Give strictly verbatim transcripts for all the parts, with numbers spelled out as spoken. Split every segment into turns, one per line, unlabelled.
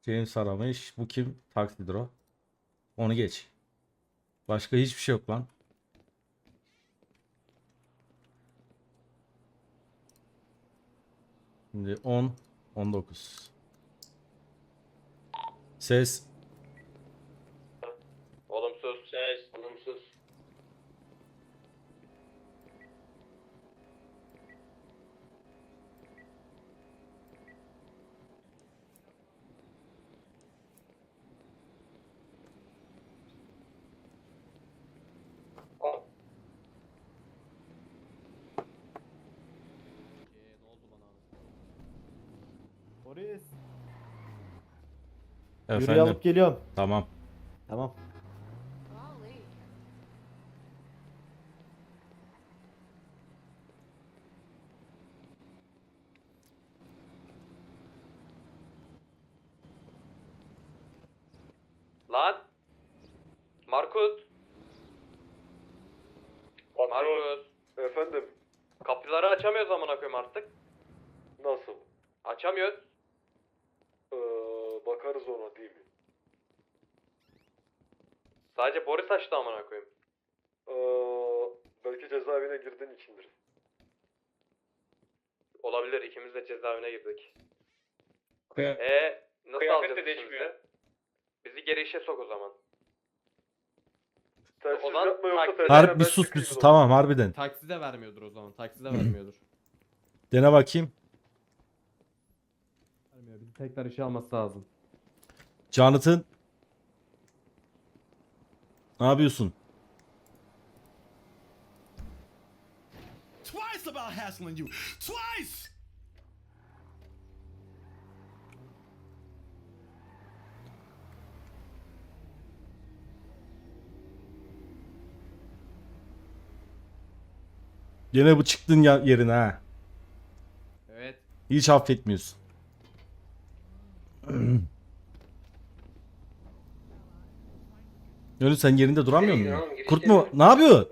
James aramış. Bu kim? Taksidir o. Onu geç. Başka hiçbir şey yok lan. Şimdi on, on dokuz. Ses.
Olumsuz. Ses. Olumsuz.
Boris.
Efendim.
Yürüyü alıp geliyorum.
Tamam.
Tamam.
Golly.
Lan. Markus. Markus.
Efendim,
Kapıları açamıyoruz amına koyayım artık.
nasıl?
Açamıyoruz.
Ee, bakarız ona değil mi?
Sadece Boris açtı amına koyayım.
Ee, belki cezaevine girdiğin içindir.
Olabilir, ikimiz de cezaevine girdik.
Kıya
E nasıl
Kıyafet
alacağız
de
işimizi?
değişmiyor.
Bizi geri işe sok o zaman.
Telsiz
O zaman
yapma yoksa
tak-
telsizden
Harbi
ben
bir sus bir
çıkayım
sus.
o zaman.
Tamam harbiden.
Taksi de vermiyordur o zaman. Taksi de vermiyordur.
Dene bakayım.
Vermiyor. Bizi tekrar işe alması lazım.
Jonathan. Ne yapıyorsun?
Twice about hassling you. Twice!
Yine bu çıktın ya yerine ha.
Evet.
Hiç affetmiyorsun. Yunus sen yerinde duramıyor
Şey,
musun?
oğlum, girişte
Kurt mu?
bir-
Ne yapıyor?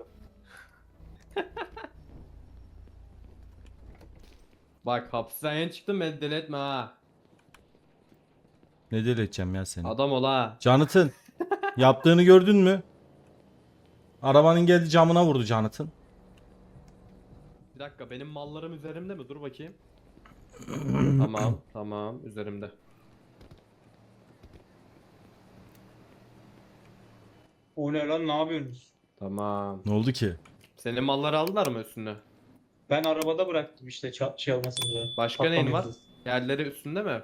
Bak hapisten yeni çıktım, beni deli etme ha.
Ne deli edeceğim ya seni?
Adam ol ha.
Jonathan. Yaptığını gördün mü? Arabanın geldi camına vurdu Jonathan.
Bir dakika, benim mallarım üzerimde mi? Dur bakayım. Tamam, tamam, üzerimde.
o ne lan, ne yapıyorsunuz?
Tamam.
Ne oldu ki?
Senin malları aldılar mı üstüne?
Ben arabada bıraktım işte ça- şey olmasın diye.
Başka neyin var?
Patlamayasın.
Yerleri üstünde mi?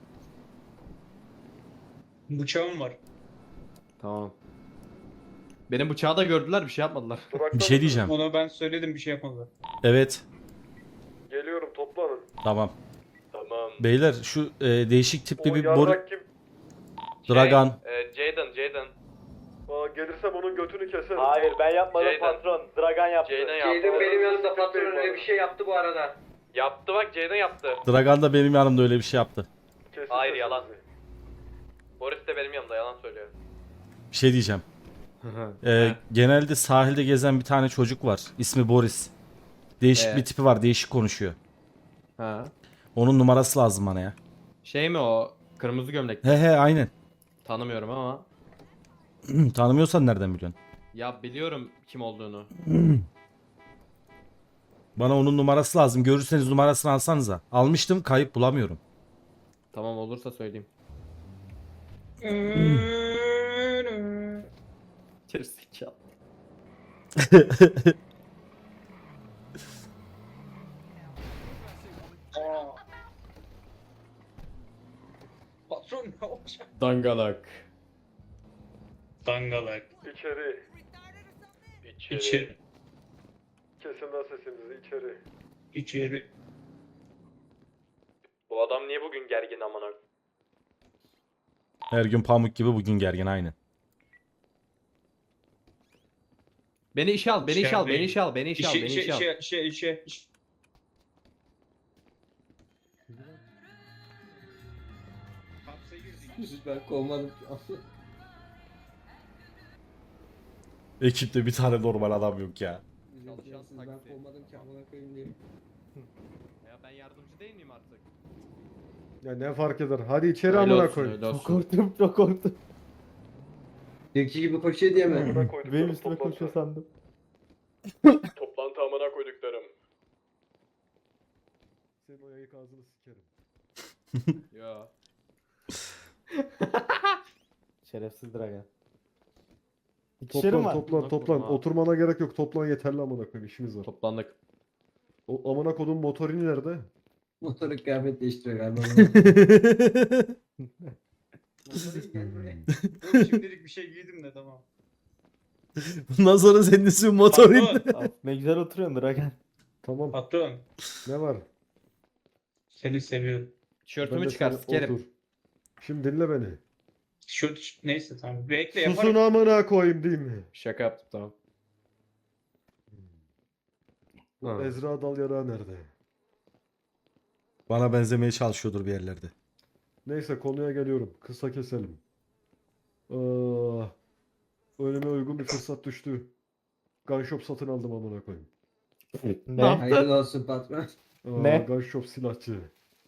Bıçağım var.
Tamam. Benim bıçağı da gördüler, bir şey yapmadılar.
Durakta
Bir şey
mısınız?
diyeceğim.
Ona ben söyledim, bir şey yapmadılar.
Evet.
Geliyorum, toplanın.
Tamam.
Tamam.
Beyler şu e, değişik tipli
O
bir boru...
yarrak kim?
Dragan.
Şey, e, Jaden, Jaden.
Aa, gelirsem onun götünü keserim.
Hayır, ben yapmadım
Jaden.
patron. Dragan yaptı.
Jaden yaptı.
Jaden benim yanımda patron öyle bir şey
yaptı bu arada. Yaptı bak, Jaden yaptı.
Dragan da benim yanımda öyle bir şey yaptı.
Kesin
Hayır,
sesinizi.
yalan. Boris de benim yanımda yalan söylüyor.
Bir şey diyeceğim. E, genelde sahilde gezen bir tane çocuk var. İsmi Boris. Değişik
Ee?
bir tipi var. Değişik konuşuyor.
Ha.
Onun numarası lazım bana ya.
Şey mi o? Kırmızı gömlek.
He he aynen.
Tanımıyorum ama.
Tanımıyorsan nereden biliyorsun?
Ya biliyorum kim olduğunu.
Bana onun numarası lazım. Görürseniz numarasını alsanıza. Almıştım, kayıp bulamıyorum.
Tamam, olursa söyleyeyim. Gerizekalı.
Aa. Patron ne olacak?
Dangalak.
Dangalak.
İçeri.
İçeri.
İçeri.
Kesin lan sesinizi, içeri.
İçeri.
Bu adam niye bugün gergin amına?
Her gün pamuk gibi, bugün gergin aynen.
Beni işe al, beni işe al, beni işe al, beni işe al,
İşe,
beni
işe,
işe al.
işe, işe, işe, işe. Hapse girdik.
Ben kovmadım.
Ekipte bir tane normal adam yok ya.
Ben kovmadım ki amına koyayım diye. Ya ben yardımcı değil miyim artık?
Ya ne fark eder? Hadi içeri
Öyle
amına
olsun,
koy.
öyle
Çok
olsun.
korktum çok korktum.
Dünkü gibi koşuyor diye mi?
Amına koyduklarım
Benim üstüme
toplantı.
koşuyor sandım.
Toplantı amına koyduklarım.
Senin o yayık ağzını sikerim.
Ya.
Şerefsiz Dragan. İkişerim
Toplan
var.
toplan
Bak
toplan.
bakalım ha.
Oturmana gerek yok. Toplan yeterli amına koyayım. İşimiz var.
Toplandık.
O amına kodum motorini nerede?
Motoru kıyafet değiştiriyor galiba. Motoru gel buraya.
Yok, şimdilik bir şey giydim de tamam.
Bundan sonra senin ismin motorin.
Patron.
Abi, ne güzel oturuyorsun Dragan.
Tamam.
Patron.
Ne var?
Seni seviyorum.
Ben
Tişörtümü
de
çıkar
sana-
sikerim.
Otur. Şimdi dinle beni.
Şu neyse tamam. Bekle
Susun
yaparım.
amına koyayım değil mi?
Şaka yaptım tamam.
Bu
Ha.
Ezra Dal Yarağı nerede?
Bana benzemeye çalışıyordur bir yerlerde.
Neyse konuya geliyorum. Kısa keselim. Aa, önüme uygun bir fırsat düştü. Gun shop satın aldım amına koyayım.
Ne?
Hayırlı olsun patron.
Aa,
Ne?
Gun shop silahçı.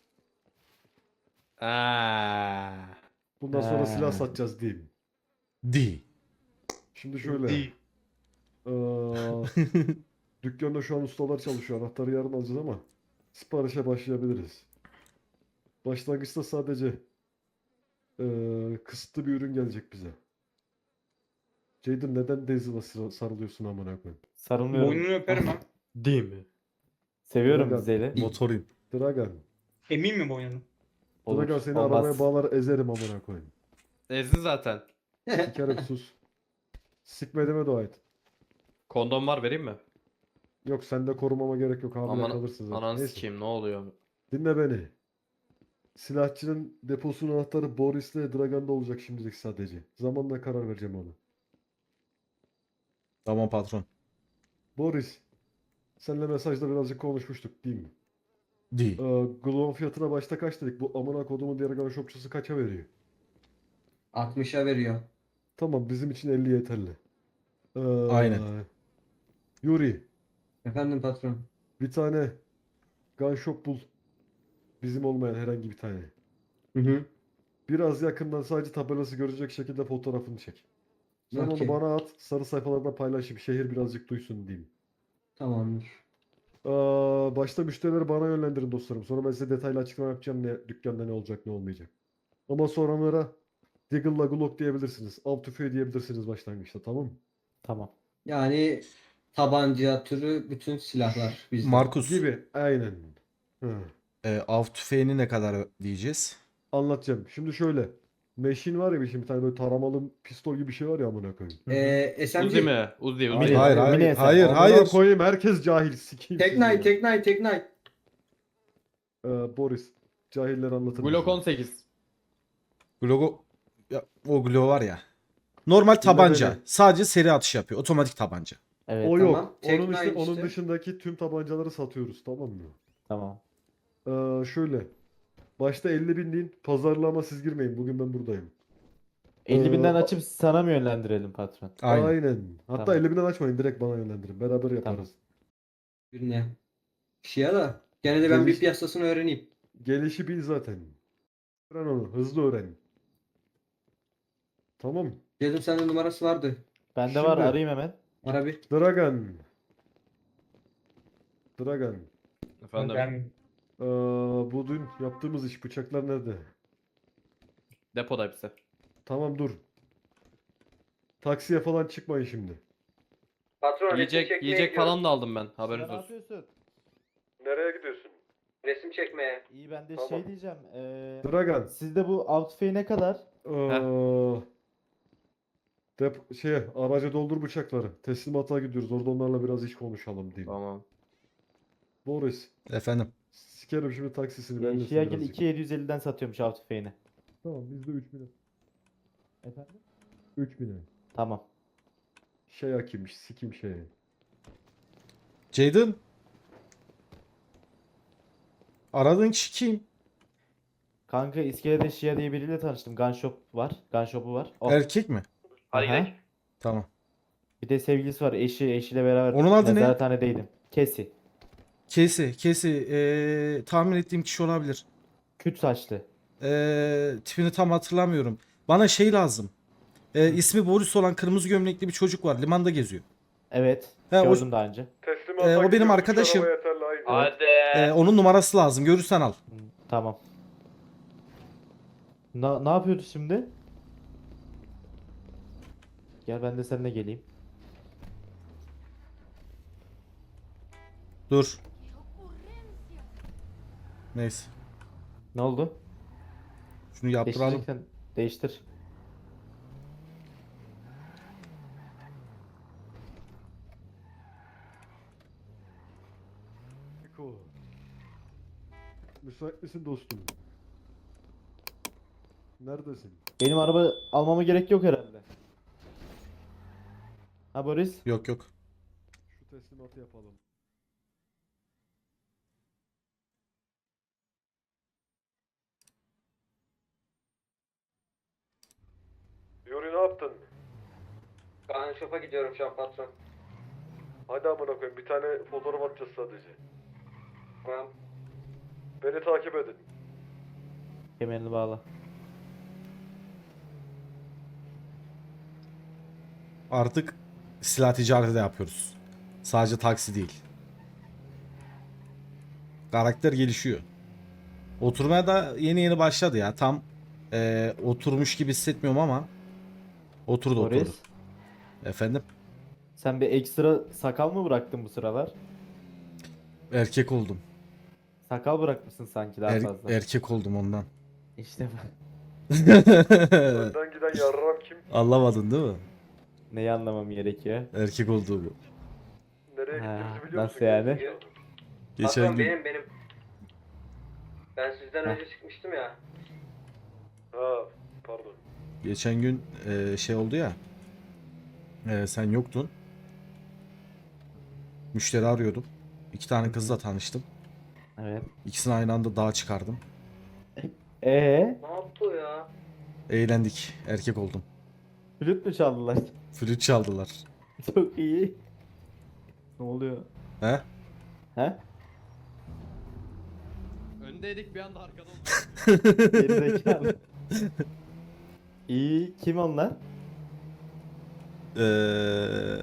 Aa.
Bundan sonra
Ha.
silah satacağız diyeyim.
Di.
Şimdi şöyle.
Değil.
Aa, dükkanda şu an ustalar çalışıyor. Anahtarı yarın alacağız ama siparişe başlayabiliriz. Başlangıçta sadece eee, kısıtlı bir ürün gelecek bize. Jaden neden Daisy'la sıra- sarılıyorsun amına koyayım?
Sarılmıyorum.
Boynunu öperim ha.
Değil mi?
Seviyorum
Dragan.
Zeyli.
Motorin.
Dragan.
Emin mi boynunu?
Olur,
Dragan seni
olmaz.
arabaya bağlar ezerim amına koyayım.
Ezdi zaten.
Sikerim sus. Sikmediğime dua et.
Kondom var vereyim mi?
Yok sende korumama gerek yok hamile
Aman
kalırsın zaten.
ananı
Neyse.
sikeyim ne oluyor?
Dinle beni. Silahçının deposunun anahtarı Boris'le Dragan'da olacak şimdilik sadece. Zamanla karar vereceğim ona.
Tamam patron.
Boris, seninle mesajda birazcık konuşmuştuk değil mi?
Di.
Ee, Glow fiyatına başta kaç dedik? Bu amına kodumun diğer gun shopçusu kaça veriyor?
altmışa veriyor.
Tamam bizim için elli yeterli. Ee,
Aynen.
Yuri,
Efendim patron.
bir tane gun shop bul. Bizim olmayan herhangi bir tane.
Hı hı.
Biraz yakından sadece tabelası görecek şekilde fotoğrafını çek. Sen
Okey.
onu bana at. Sarı sayfalarda paylaşayım. Şehir birazcık duysun diyeyim.
Tamamdır.
Aa, başta müşterileri bana yönlendirin dostlarım. Sonra ben size detaylı açıklama yapacağım ne dükkanda ne olacak ne olmayacak. Ama sonralara Deagle'la Glock diyebilirsiniz. Av tüfeği diyebilirsiniz başlangıçta tamam mı?
Tamam.
Yani tabanca türü bütün silahlar bizde.
Markus.
Gibi. Aynen. Hı.
E, av tüfeğini ne kadar diyeceğiz?
Anlatacağım. Şimdi şöyle. Meşin var ya bir şimdi bir tane böyle taramalı pistol gibi bir şey var ya amına koyayım.
Ee, S M G.
Uzi mi? Uzi, Uzi.
Hayır,
Hayır hayır
mini S M G.
hayır
Amına
hayır.
koyayım herkes cahil sikeyim. sizi
Teknay,
ya.
Teknay, Teknay.
Ee, Boris. Cahiller anlatır
Glock
mısın?
on sekiz.
Glogo ya, o Glow var ya. Normal tabanca.
beni.
Sadece seri atış yapıyor. Otomatik tabanca.
Evet.
O
Tamam.
yok.
Teknay
Onun, işte, onun
işte.
dışındaki tüm tabancaları satıyoruz tamam mı?
Tamam.
Ee, şöyle. Başta elli bin deyin. Pazarlama siz girmeyin. Bugün ben buradayım.
elli binden
Ee,
açıp sana mı yönlendirelim patron?
Aynen.
Aynen. Hatta
Tamam.
elli binden açmayın. Direkt bana yönlendirin. Beraber yaparız.
Birine. Şia da. Gene de ben bir
Geliş-
piyasasını öğreneyim.
Gelişi bil zaten. Öğren onu. Hızlı öğren. Tamam.
Dedim sende numarası vardı.
Bende var
Şimdi-
arayayım hemen.
Ara bir.
Dragan. Dragan.
Efendim.
Ben
Ee, bu dün yaptığımız iş bıçaklar nerede?
Depoda hepsi.
Tamam dur. Taksiye falan çıkmayın şimdi.
Patron
Yiyecek yiyecek falan da aldım ben.
Sen
Haberiniz
ne
olsun.
yapıyorsun?
Nereye gidiyorsun?
Resim çekmeye.
İyi ben de
Tamam.
şey diyeceğim. Ee,
Dragan.
sizde bu av tüfeği ne kadar?
Ee, dep şey araca doldur bıçakları. Teslimata gidiyoruz. Orada onlarla biraz iş konuşalım diyeyim.
Tamam.
Boris.
Efendim.
Sikerim şimdi taksisini
Ee,
bellesin
Şiyagil
birazcık.
iki bin yedi yüz elliden satıyormuş av tüfeğini.
Tamam biz de üç bine.
Efendim?
üç bine.
Tamam.
Şey hakimmiş sikim şey.
Jaden. Aradığın kişi kim?
Kanka iskelede Şia diye biriyle tanıştım. Gun shop var. Gun shop'u var. O.
Erkek mi?
Hadi
Aha.
gidelim.
Tamam.
Bir de sevgilisi var. Eşi eşiyle beraber
Onun adı ne?
nezarethanedeydim. Kesi.
Kesi. Kesi. Ee, tahmin ettiğim kişi olabilir.
Küt saçlı.
Ee, tipini tam hatırlamıyorum. Bana şey lazım. Ee, ismi Boris olan kırmızı gömlekli bir çocuk var. Limanda geziyor.
Evet.
He, o-
gördüm daha önce.
Teslimata
Ee, o benim
gidiyoruz,
arkadaşım.
araba yeterli, haydi.
Hadi.
Ee, onun numarası lazım. Görürsen al.
Hı, tamam. Na, ne yapıyoruz şimdi? Gel ben de seninle geleyim.
Dur.
¡Qué ocurrencia!
Neyse.
Neyse.
Ne oldu?
Şunu yaptıralım.
Değiştireceksen değiştir.
Eko. Müsait misin dostum? Neredesin?
Benim araba almama gerek yok herhalde. Ha Boris?
Yok yok.
Şu teslimatı yapalım. Yuri ne yaptın?
Gun shop'a gidiyorum şu an patron.
Hadi amına koyayım, bir tane fotoğraf atacağız sadece.
Tamam.
Beni takip edin.
Kemerini bağla.
Artık silah ticareti de yapıyoruz. Sadece taksi değil. Karakter gelişiyor. Oturmaya da yeni yeni başladı ya. Tam eee, oturmuş gibi hissetmiyorum ama oturdu oturdu.
Boris,
Efendim?
sen bir ekstra sakal mı bıraktın bu sıralar?
Erkek oldum.
Sakal bırakmışsın sanki daha
Er-
fazla.
erkek oldum ondan.
İşte bak.
Önden giden yarram kim?
Anlamadın değil mi?
Neyi anlamam gerekiyor?
Erkek olduğumu.
Nereye
Ha,
gittiğimizi biliyor
nasıl
musun?
yani?
Geçen
Patron
gün
benim benim. Ben sizden
Heh.
önce çıkmıştım ya.
Ha, pardon.
geçen gün eee, şey oldu ya. Eee, sen yoktun. Müşteri arıyordum. İki tane kızla tanıştım.
Evet.
İkisini aynı anda dağa çıkardım.
Ee,
Ne yaptı o ya?
Eğlendik. Erkek oldum.
flüt mü çaldılar?
Flüt çaldılar.
Çok iyi. Ne oluyor?
He?
He?
Öndeydik bir anda arkada olduk.
Gerizekalı. İyi. Kim onlar?
Eee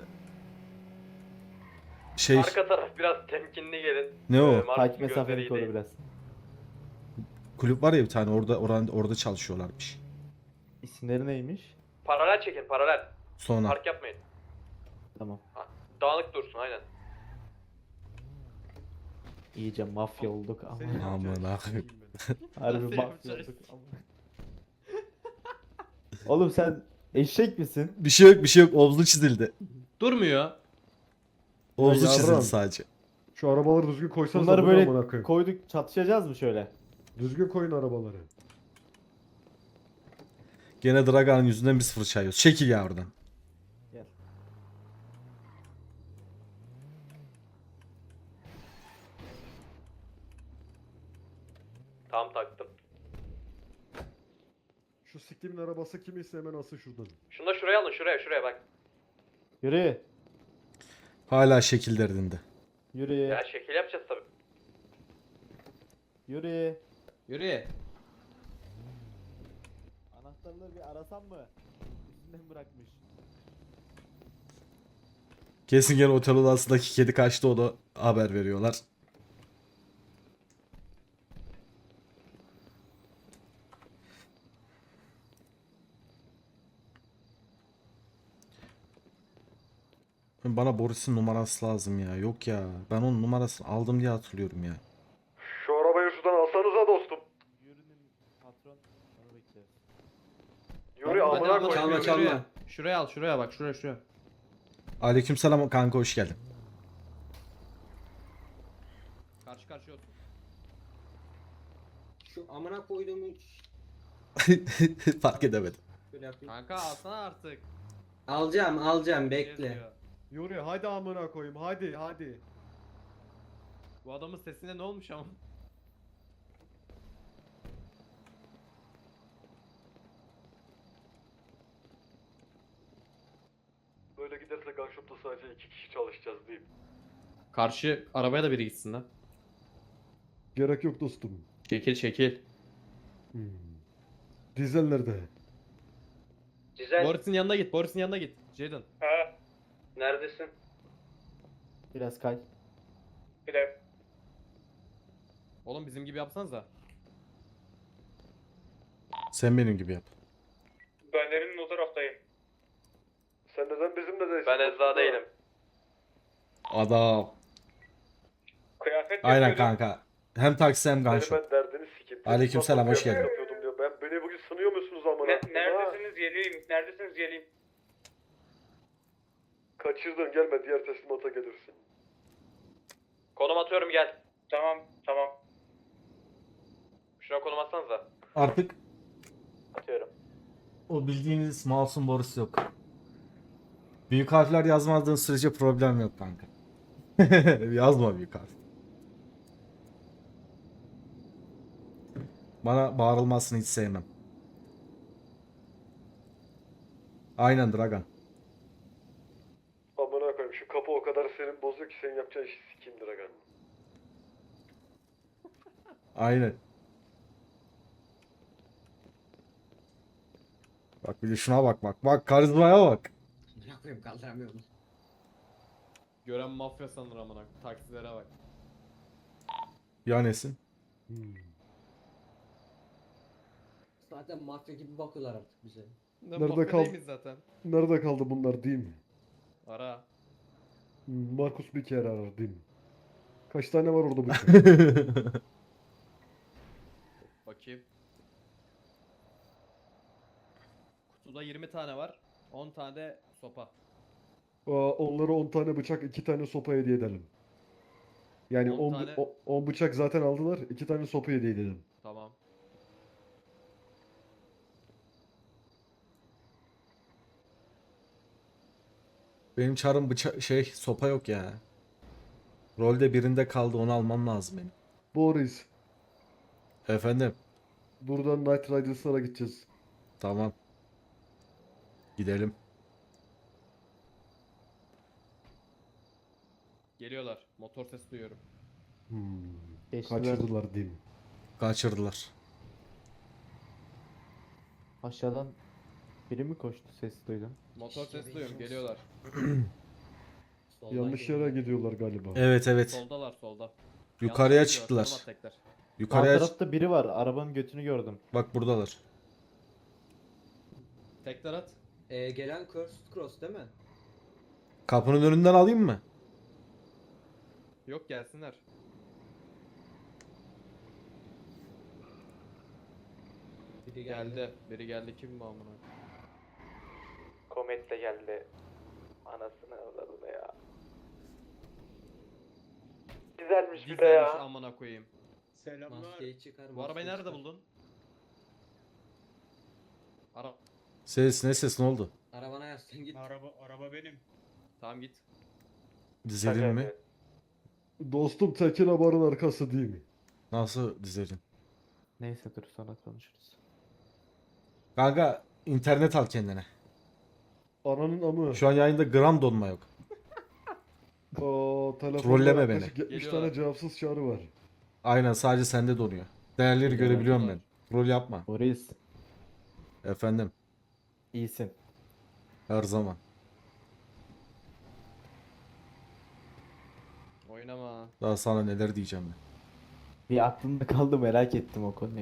şey
Arka taraf biraz temkinli gelin.
ne o?
Ee, Marcus'un
Takip
gözleri
mesafeni
iyi
koru
değil.
biraz.
Kulüp var ya bir tane orada oranda, orada çalışıyorlarmış.
İsimleri neymiş?
Paralel çekin paralel.
Sonra
Park yapmayın.
Tamam.
Dağınık dursun aynen.
İyice mafya olduk ama.
Senin
Aman
yapacağın
ha.
işi bileyim ben.
Harbi
Nasıl
mafya
yapacağız?
olduk ama. Oğlum sen eşek misin?
bir şey yok bir şey yok omzu çizildi.
Durmuyor.
Omzu
Ya
çizildi
yavrum.
sadece.
Şu arabaları düzgün koysanız
Bunları böyle
koyayım.
koyduk çatışacağız mı şöyle?
Düzgün koyun arabaları.
Gene Dragan'ın yüzünden biz fırça yiyoruz. Çekil ya oradan.
Gel.
Tam taktım.
Şu siktimin arabası kimiyse hemen alsın şuradan.
Şunu da şuraya alın şuraya şuraya bak.
Yürü.
Hala şekil derdinde.
Yürü.
Ya şekil yapacağız tabii.
Yürü.
Yürü.
Anahtarları bir arasam mı? Üstünden bırakmış.
Kesin gene otel odasındaki kedi kaçtı onu haber veriyorlar. Bana Boris'in numarası lazım ya. Yok ya. Ben onun numarasını aldım diye hatırlıyorum ya.
Şu arabayı şuradan alsanıza dostum.
Yürünün patron. Onu bekliyoruz.
Yuri
Hadi
amına
al,
koyayım.
çalma,
Yuri.
çalma.
Şuraya. Şuraya al şuraya bak şuraya şuraya.
Aleykümselam kanka hoş geldin.
Karşı karşıya otur.
Şu amına koyduğumu
Fark edemedim.
şöyle yapayım.
Kanka alsana artık.
Alacağım alacağım bekle.
Yazıyor.
Yuri hadi amına koyayım, hadi hadi.
Bu adamın sesine ne olmuş ama?
Böyle giderse gunshop'ta sadece iki kişi çalışacağız diyeyim.
Karşı arabaya da biri gitsin lan.
Gerek yok dostum.
Çekil çekil.
Hmm. Dizel nerede?
Dizel.
Boris'in yanına git. Boris'in yanına git. Jaden.
Ha.
Neredesin?
Biraz kay.
Bir de
Oğlum bizim gibi yapsanıza.
Sen benim gibi yap.
ben Erin'in o taraftayım.
Sen neden bizimle değilsin?
Ben Ezra değilim.
Adam.
Kıyafet
Aynen
yapıyordum.
kanka. Hem taksi hem gunshot.
ben derdini sikeyim.
Aleykümselam, hoş geldin.
Yapıyordum diyor. Ben beni bugün sınıyor musunuz amına?
Ne, neredesiniz geleyim? Neredesiniz geleyim?
Kaçırdın, gelme, diğer teslimata gelirsin.
Konum atıyorum gel.
Tamam tamam.
Şuna konum atsanıza.
Artık
Atıyorum.
o bildiğiniz masum Boris yok. Büyük harfler yazmadığın sürece problem yok kanka. Yazma büyük harf. Bana bağırılmasını hiç sevmem. Aynen Dragan.
Amına koyayım, şu kapı o kadar senin bozuyor ki senin yapacağın işi sikeyim Dragan.
Aynen. Bak bir de şuna bak bak. Bak karizmaya bak.
Ne yapayım kaldıramıyorum.
Gören mafya sanır amına. Taksilere bak.
Ya nesin?
Hmm.
Zaten mafya gibi bakıyorlar artık bize.
Ne
Nerede
mafya
kal-
değil miyiz zaten?
Nerede kaldı bunlar değil mi?
Ara.
Hmm, Markus bir kere arar değil mi? Kaç tane var orada bu?
Bakayım. Kutuda yirmi tane var. on tane de sopa.
Aa, onlara on tane bıçak, iki tane sopa hediye edelim. Yani
on
on
tane-
on bıçak zaten aldılar, iki tane sopa hediye edelim.
Tamam.
Benim çarım bıçak şey sopa yok ya. Rolde birinde kaldı, onu almam lazım benim.
Boris,
Efendim.
buradan Night Riders'lara gideceğiz.
Tamam. Gidelim.
Geliyorlar. Motor sesi duyuyorum.
Hmm.
Geçtiler.
Kaçırdılar değil mi?
Kaçırdılar.
Aşağıdan biri mi koştu? Ses duydum.
Motor
İşte
sesi duyuyorum.
benim
Geliyorlar.
Soldan
Yanlış yere
geliyor.
gidiyorlar galiba.
Evet evet.
Soldalar solda.
Yukarıya
Yanlış
çıktılar.
gidiyorlar, konum at tekrar.
Sağ
Yukarıya
tarafta biri var. Arabanın götünü gördüm.
bak buradalar.
Tekrar at.
Ee, gelen Cursed Cross değil mi?
Kapının önünden alayım mı?
Yok gelsinler.
Biri
Geldi. Biri geldi. Kim bu amına?
Komet de geldi. Anasını avradını ya. Güzelmiş bir de
Dizelmiş
ya.
amına koyayım.
Selamlar.
Maskeyi çıkar.
Bu arabayı
maskeyi
nerede
çıkar.
buldun? Ara.
Ses ne ses ne oldu?
Arabana yaslan git.
Araba araba benim.
Tamam git.
Dizelin mi?
Dostum Tekin Abar'ın arkası değil mi?
Nasıl dizelin?
Neyse dur sonra konuşuruz.
Kanka internet al kendine.
Ananın amı.
Şu an yayında gram donma yok.
Aa, telefonda
Trolleme
yaklaşık
beni.
yetmiş
Geliyorlar.
tane cevapsız çağrı var.
Aynen sadece sende donuyor. Değerleri
Geliyorlar,
görebiliyorum ben.
geliyorlar.
Rol yapma.
Boris,
Efendim.
iyisin.
Her zaman.
Oynama.
Daha sana neler diyeceğim ben.
Bir aklımda kaldı, merak ettim o konuyu.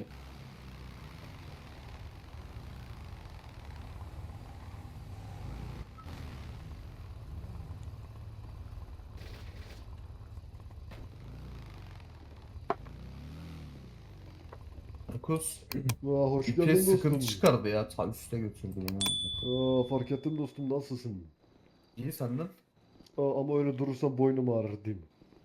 Markus
Aa, hoş geldin
vites
dostum.
sıkıntı çıkardı ya. Ta üste götürdü beni.
Aa, fark ettim dostum, nasılsın?
İyi senden.
Aa, ama öyle durursan boynum ağrır değil mi?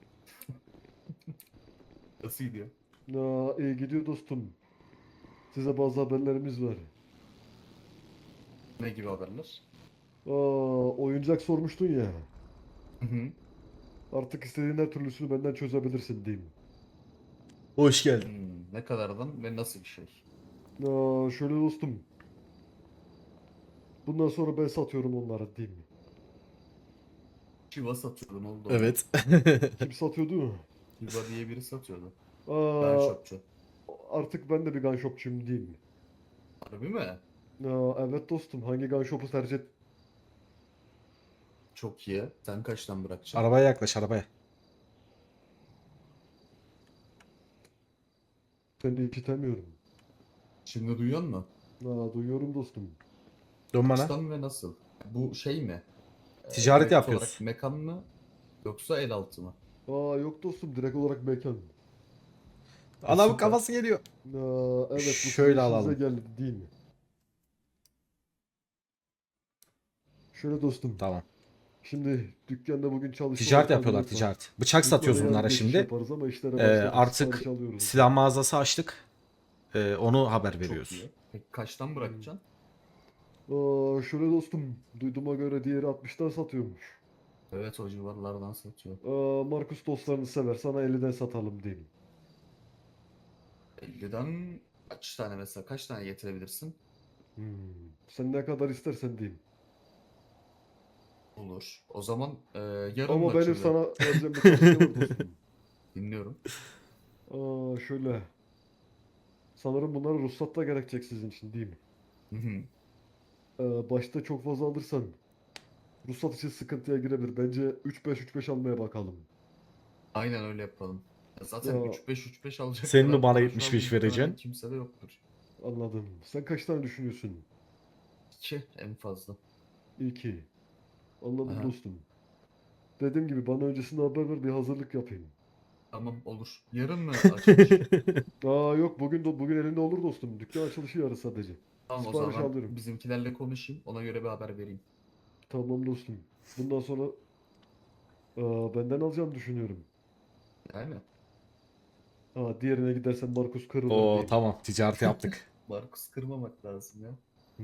Nasıl gidiyor?
Aa, iyi gidiyor dostum. Size bazı haberlerimiz var.
Ne gibi haberler?
Aa, oyuncak sormuştun ya.
Hı hı.
Artık istediğin her türlüsünü benden çözebilirsin değil mi?
Hoş geldin.
Hmm, ne kadardan ve nasıl bir şey?
Aa, şöyle dostum. Bundan sonra ben satıyorum onlara değil mi?
Chiva satıyordu ne oldu?
Evet.
Kim satıyordu?
Chiva diye biri satıyordu.
Aa,
Ben shopçu.
artık ben de bir gun shopçuyum değil mi?
Harbi mi?
Aa, evet dostum. Hangi gun shop'u tercih et?
Çok iyi. Sen kaçtan bırakacaksın?
Arabaya yaklaş arabaya.
Seni işitemiyorum.
Şimdi duyuyor musun?
Aa, duyuyorum dostum.
Dön bana.
Kaçtan ve nasıl? Bu şey mi? Ee,
Ticaret
direkt
yapıyoruz.
olarak mekan mı? Yoksa el altı mı?
Aa, yok dostum. Direkt olarak mekan.
Adamın
süper.
kafası geliyor.
Aa, evet, bu sizin
Şöyle
işinize
alalım.
geldi değil mi? Şöyle dostum.
Tamam.
Şimdi dükkanda bugün çalışma
Ticaret
ortamı
yapıyorlar
yok var.
ticaret. Bıçak
Biz
satıyoruz
böyle yarın
bunlara
geçiş
şimdi.
yaparız ama işlere
Ee,
başladık,
artık
sipariş alıyoruz.
silah mağazası açtık. Ee, onu haber
Çok
veriyoruz.
iyi. Peki kaçtan bırakacaksın?
Aa, şöyle dostum. Duyduğuma göre diğeri altmıştan satıyormuş.
Evet, o civarlardan satıyor.
Aa, Markus dostlarını sever. Sana elliden satalım diyeyim.
elliden kaç tane mesela? Kaç tane getirebilirsin?
Hmm. Sen ne kadar istersen diyeyim.
Olur. O zaman e, yarın
Ama
mı
benim
açılıyor?
sana vereceğim bir tavsiye var dostum.
Dinliyorum.
Aa, şöyle. Sanırım bunları ruhsat da gerekecek sizin için değil mi?
Hı hı.
Ee, başta çok fazla alırsan ruhsat için sıkıntıya girebilir. Bence üç beş üç beş almaya bakalım.
Aynen öyle yapalım. Ya zaten
Ya,
üç beş üç beş alacak
Senin mi
kadar
bana
para şu
yetmiş
an
beş
muhtemelen
vereceksin?
kimsede yoktur.
anladım. Sen kaç tane düşünüyorsun?
iki en fazla.
İki. Anladım
Aha.
dostum. Dediğim gibi bana öncesinde haber ver, bir hazırlık yapayım.
Tamam, olur. Yarın mı açılış?
Aa, yok, bugün do- bugün elinde olur dostum. Dükkan açılışı yarın sadece.
Tamam, o
Sipariş
zaman
alıyorum.
bizimkilerle konuşayım. Ona göre bir haber vereyim.
Tamam dostum. Bundan sonra aa, benden alacağını düşünüyorum.
Yani
Aa, diğerine gidersen Markus kırılır
Oo
diyeyim.
tamam ticareti yaptık.
Markus kırmamak lazım ya.
Hmm.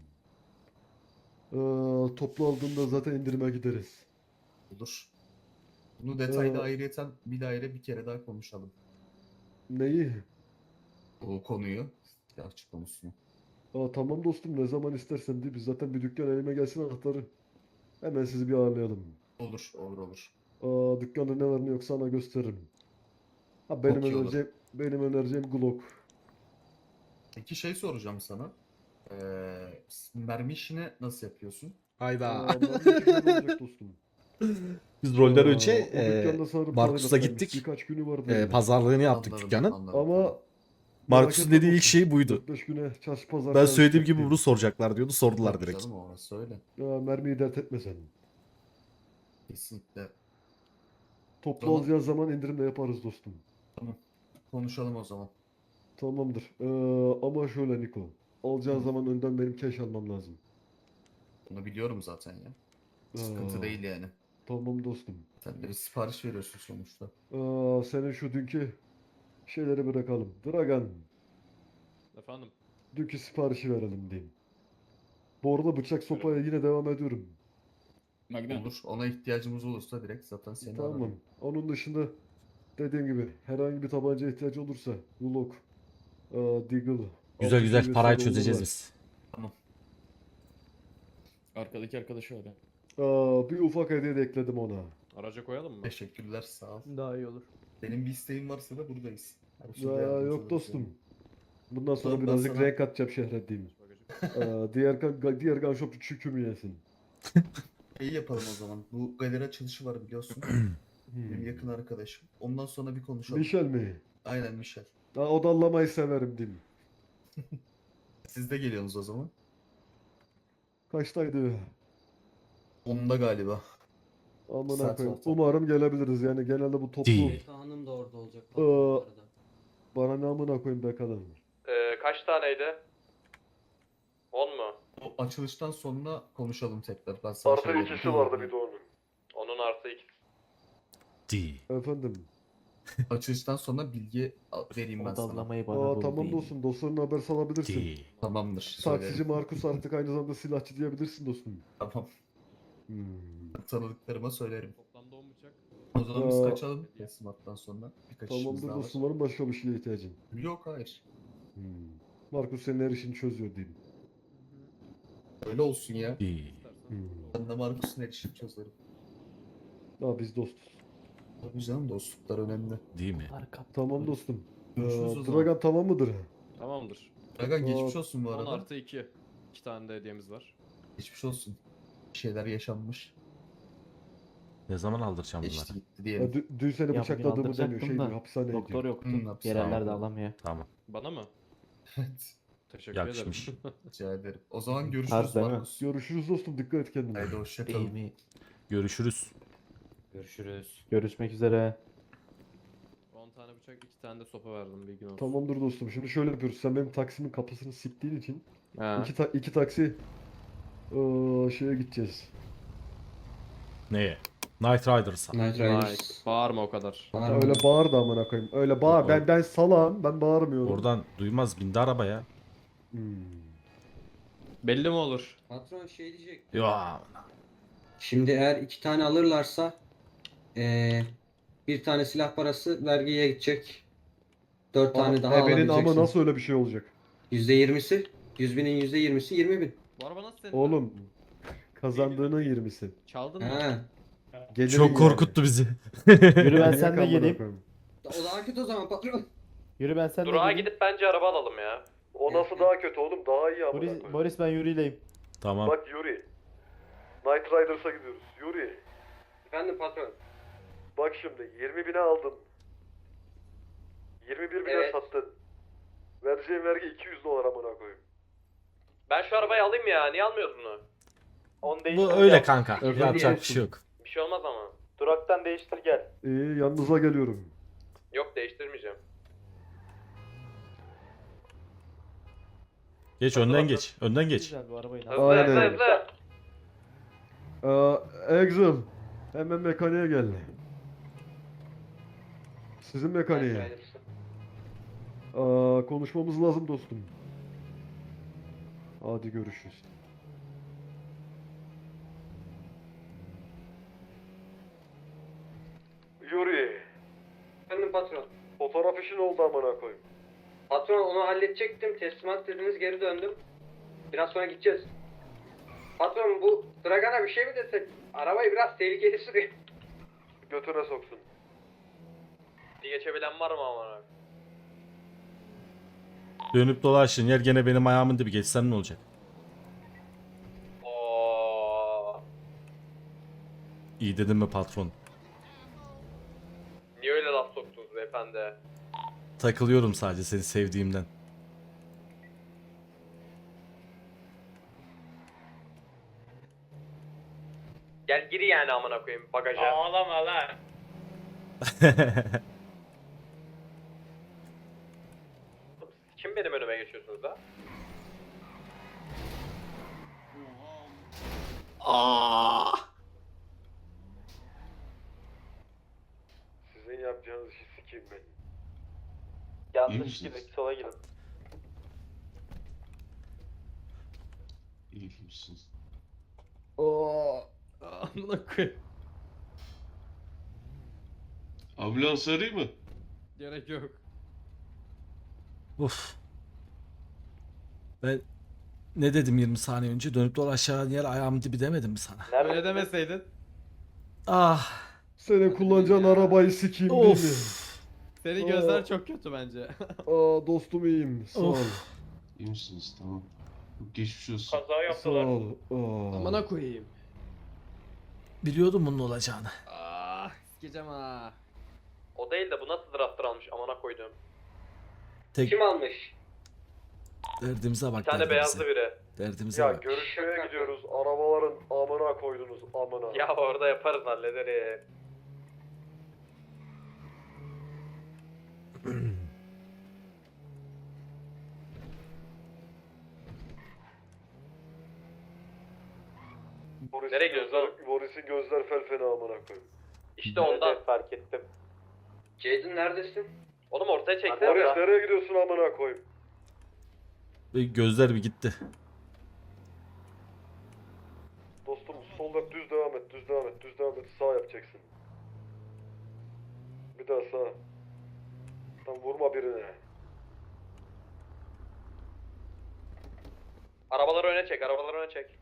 Aa, toplu aldığında zaten indirime gideriz.
Olur. Bunu detaylı
Ee,
ayrıyeten bir daire bir kere daha konuşalım.
Neyi?
Bu konuyu. Silahçı konusunu.
Aa, tamam dostum, ne zaman istersen değil. Biz zaten bir dükkan elime gelsin anahtarı. Hemen sizi bir ağırlayalım.
Olur, olur, olur.
Aa, dükkanda ne var ne yok sana gösteririm. Ha, benim
Çok iyi olur.
önereceğim, benim önereceğim Glock.
Peki şey soracağım sana. Ee, mermi işini nasıl yapıyorsun?
Aa,
Hayda.
ben de şöyle olacak dostum.
Biz rolden
Aa,
önce
o
e,
dükkanda sanırım
Markus'la
tadilattaymış.
gittik.
Birkaç günü var
E,
böyle.
pazarlığını yaptık
Anladım,
dükkanın.
anladım,
Ama
anladım.
Markus'un
merak etme
dediği ilk
dostum,
şey buydu.
dört beş güne çarşı pazar
Ben
falan
söylediğim gibi
çıkacak
bunu soracaklar diyordu. Sordular
Tabii
direkt.
canım, orası öyle.
diyeyim. Aa, mermiyi dert etme sen.
Kesinlikle.
Toplu
Tamam.
alacağın zaman indirim de yaparız dostum.
Tamam. Konuşalım o zaman.
Tamamdır. Ee, ama şöyle Niko. Alacağın
Hı.
zaman önden benim cash almam lazım.
Bunu biliyorum zaten ya. Sıkıntı
Aa,
değil yani.
tamam dostum.
Sen de bir sipariş veriyorsun sonuçta.
Aa, senin şu dünkü şeyleri bırakalım. Dragan,
Efendim.
dünkü siparişi verelim diyeyim. Bu arada bıçak sopaya yine devam ediyorum.
Olur. Ona ihtiyacımız olursa direkt zaten seni
Tamam.
ararım.
Onun dışında dediğim gibi herhangi bir tabanca ihtiyacı olursa Glock, aa, Deagle,
Güzel
altı
güzel
seviye
parayı
silahlar
çözeceğiz
var.
biz.
Arkadaki arkadaşı öyle.
Aa, bir ufak hediye de ekledim ona.
Araca koyalım mı?
Teşekkürler, sağ ol.
Daha iyi olur.
Benim bir isteğin varsa da buradayız. Her türlü
Aa,
yardımcı
yok
oluruz
dostum.
yani.
Bundan sonra
Tamam, ben
birazcık
sana-
renk atacağım şehre diyeyim.
Bagajı-
Aa, diğer ga- diğer gun shopçu çükümü yesin.
İyi yapalım o zaman. Bu galeri açılışı var biliyorsun. Benim
Hmm.
yakın arkadaşım. Ondan sonra bir konuşalım.
Michel mi?
Aynen, Michel.
Aa, odallamayı severim diyeyim.
Siz de geliyorsunuz o zaman.
Kaçtaydı?
Onda galiba.
Amına
Saat
koyayım.
zaten.
Umarım gelebiliriz. Yani genelde bu toplu
Değil.
Hanım da orada olacak.
Aa, bana ne amına koyayım be kadın.
Ee, kaç taneydi? on mu?
O açılıştan sonra konuşalım tekrar. Ben sana şey veririm.
de onun.
Onun artı iki.
Değil.
Efendim.
Açılıştan sonra bilgi al- vereyim ben sana.
Odallamayı bana
Aa,
bul
tamam
deyin.
dostum. Dostlarına haber salabilirsin.
Değil.
Tamamdır.
Taksici
Söylerim.
Markus artık aynı zamanda silahçı diyebilirsin dostum.
Tamam.
Hmm.
Tanıdıklarıma söylerim.
Toplamda on bıçak.
O zaman biz
Aa,
kaçalım. Teslimattan sonra. Birkaç işimiz
Tamamdır
daha var.
dostum. Var mı başka bir şeye ihtiyacın?
Yok, hayır.
Hmm. Markus senin her işini çözüyor diyeyim.
Öyle olsun ya.
Değil.
Hmm.
Ben de Markus'un erişim çözerim.
Aa, biz dostuz.
Tabii canım, dostluklar önemli.
Değil mi?
Arka.
Tamam dostum.
Görüşürüz o
Ee,
zaman.
Dragan tamam mıdır?
Tamamdır.
Dragan geçmiş
Aa,
olsun bu
on
arada.
artı iki. iki tane de hediyemiz var.
Geçmiş olsun. Bir şeyler yaşanmış.
Ne zaman aldıracağım
Geçti
bunları?
gitti
Ya,
diyelim.
dü- dün seni
bugün
bıçakladığımı deniyor.
aldıracaktım
Şey
da
diyor, hapishaneye
Doktor
gidiyor.
yoktu.
Hı, hapishane.
Yerellerde alamıyor.
Tamam.
Bana mı?
Evet.
Teşekkür
Yakışmış.
ederim.
Rica ederim. O zaman görüşürüz
Harbiden mi?
Markus.
Görüşürüz dostum, dikkat et kendine.
Haydi hoşçakalın.
mi?
Görüşürüz.
Görüşürüz. Görüşmek üzere.
on tane bıçak, iki tane de sopa verdim, bilgin olsun.
Tamamdır dostum. Şimdi şöyle yapıyoruz. Sen benim taksimin kapısını siktiğin için
Ha.
iki, ta- iki taksi ee, şeye gideceğiz.
Neye? Night Riders'a.
Night
Vay,
Riders.
bağırma o kadar.
Var mı?
Öyle bağır da amına koyayım. Öyle bağır.
Yok,
Ben ben salağım. Ben bağırmıyorum.
Oradan duymaz, bindi arabaya.
Hmm.
Belli mi olur?
Patron şey diyecek.
Ya.
Şimdi eğer iki tane alırlarsa eee, bir tane silah parası vergiye gidecek. Dört tane daha
Ebenin ama
alabileceksin.
nasıl öyle bir şey olacak?
Yüzde yirmisi. Yüz binin yüzde yirmisi yirmi bin.
Bu araba nasıl senin?
Oğlum kazandığının yirmisi.
Çaldın mı?
Ha.
Gelirin
Çok
yani.
korkuttu bizi.
Yürü ben
Manyak
seninle
amına
geleyim.
koyayım.
O daha kötü o zaman patron.
Yürü ben seninle
Durağa
geleyim.
gidip bence araba alalım ya.
O nasıl daha kötü oğlum? Daha iyi amına
Boris,
koyayım.
Boris ben yürüyleyim.
Tamam.
Bak Yuri. Night Riders'a gidiyoruz. Yuri.
Efendim patron.
Bak şimdi yirmi bine aldın. yirmi bir bine
Evet.
sattın. Vereceğin vergi iki yüz dolar amına koyayım.
Ben şu arabayı alayım ya. Niye almıyoruz bunu?
Bu öyle kanka.
Özür
Yapacak bir
dilerim.
şey yok.
Bir şey olmaz ama.
Duraktan değiştir gel.
İyi yanınıza geliyorum.
Yok, değiştirmeyeceğim.
Geç,
Hadi
önden
bakalım.
geç. Önden geç.
Güzel bu arabayı.
Hızlı
Aynen.
hızlı hızlı.
Ee, Exil. Hemen mekaniğe gel. Sizin mekaniğe. Aa, konuşmamız lazım dostum. Hadi görüşürüz. Yuri,
Efendim patron.
fotoğraf işin oldu amına koyayım.
Patron onu halledecektim. Teslimat dediniz geri döndüm. Biraz sonra gideceğiz. Patron bu Dragan'a bir şey mi desek? Arabayı biraz tehlikeli sürüyor.
Götüne soksun.
Bir geçebilen var mı ama?
Dönüp dolaşın yer gene benim ayağımın dibi. Geçsem ne olacak?
Oo.
İyi dedim mi patron?
Niye öyle laf soktunuz beyefendi?
Takılıyorum sadece seni sevdiğimden.
Gel gir yani amına koyayım bagaja.
Ağlama lan.
Kim benim önüme geçiyorsunuz da?
Sizin yapacağınız işi sikeyim ben.
Yanlış gibi sola gidin.
Aa,
Amına koyayım.
Ambulans arayayım mı?
Gerek yok.
Uf. Ben ne dedim yirmi saniye önce? Dönüp dolaşan yer ayağımın dibi demedim mi sana?
Öyle demeseydin.
Ah.
senin kullanacağın arabayı sikeyim değil mi?
Of.
Senin
Oo.
gözler çok kötü bence.
Aa, dostum iyiyim. Sağ ol.
Of.
İyi misiniz? Tamam. Geçmiş olsun.
Kaza
Sağ
yaptılar.
ol. Aa.
Amına koyayım.
Biliyordum bunun olacağını.
Ah, sikeceğim ha.
O değil de bu nasıl drafter almış amına koydum.
Tek
Kim almış?
derdimize bak.
Bir tane
derdimize.
beyazlı biri.
Derdimize
Ya
bak.
görüşmeye gidiyoruz. Arabaların amına koydunuz amına.
Ya orada yaparız hallederiz.
Boris'in
Nereye gidiyoruz
gözler,
oğlum?
Boris'in gözler fel fena amına koyayım.
İşte ondan.
fark ettim.
Jaden neredesin?
Oğlum ortaya çeksene.
Boris
ya.
nereye gidiyorsun amına koyayım?
Ve gözler bir gitti.
Dostum solda düz devam et, düz devam et, düz devam et. Sağ yapacaksın. Bir daha sağ. Tam vurma birine.
Arabaları öne çek, arabaları öne çek.